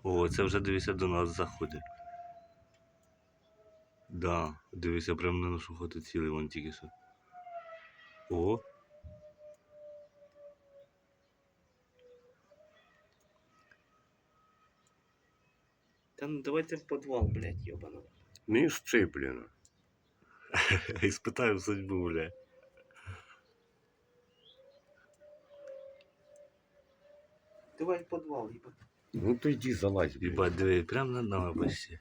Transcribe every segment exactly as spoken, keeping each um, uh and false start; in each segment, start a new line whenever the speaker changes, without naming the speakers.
О, це вже, дивися, до нас заходить. Да, дивися, прямо на нашу хату цілий, вон тільки що. О.
Та ну давайте в підвал, блядь, йобаного.
Не сцеплено.
Испытаем судьбу, бля.
Давай в підвал, їбать.
Ну то йди залазь, блядь.
Ебать, диви, прямо над нами почти.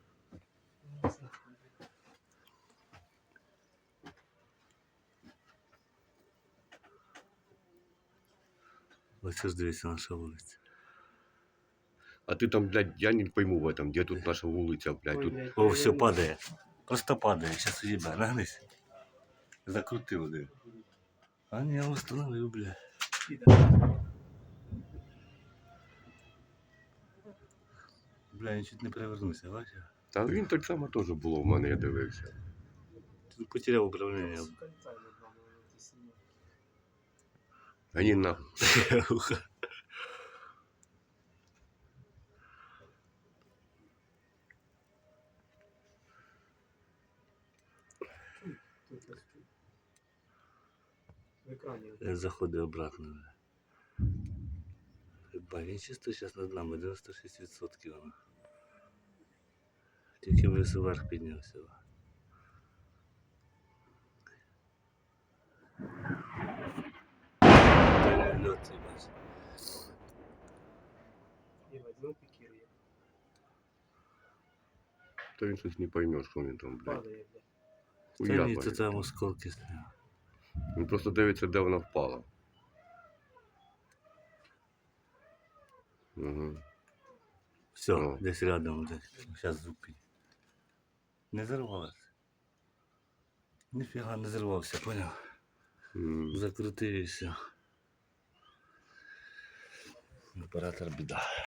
Ось ж дивися, наша вулиця.
А ти там, блядь, я не пойму в этом, де тут наша вулиця, блядь.
Ой,
Тут
блядь,
О, все
наверное,
падає. Просто падає. Сейчас уїбе. Нагнись. Закрутив, диви. А ні, я установив, бля. Бля, я чуть не перевернувся, бачиш?
Та він так само теж було в мене, я дивився.
Тут потеряв управління.
А ні, нахуй.
В екрані.
Я заходив обратно. Ебать, він чисто зараз над нами, дев'яносто шість відсотків. воно. Тільки весь вверх піднявся. Льот, їбать.
Їбать, ну пікірує.
То він щось не пойме, що він там, блядь.
Падає, блядь.
Та ні,
Уябає.
то там осколки стоять.
Він просто дивиться, де вона впала. Угу.
Все,
О.
десь рядом, десь. Зараз зупинь. Не зірвалося. Ніфіга не зірвався, поняв?
М.
Закрутився. Оператор біда.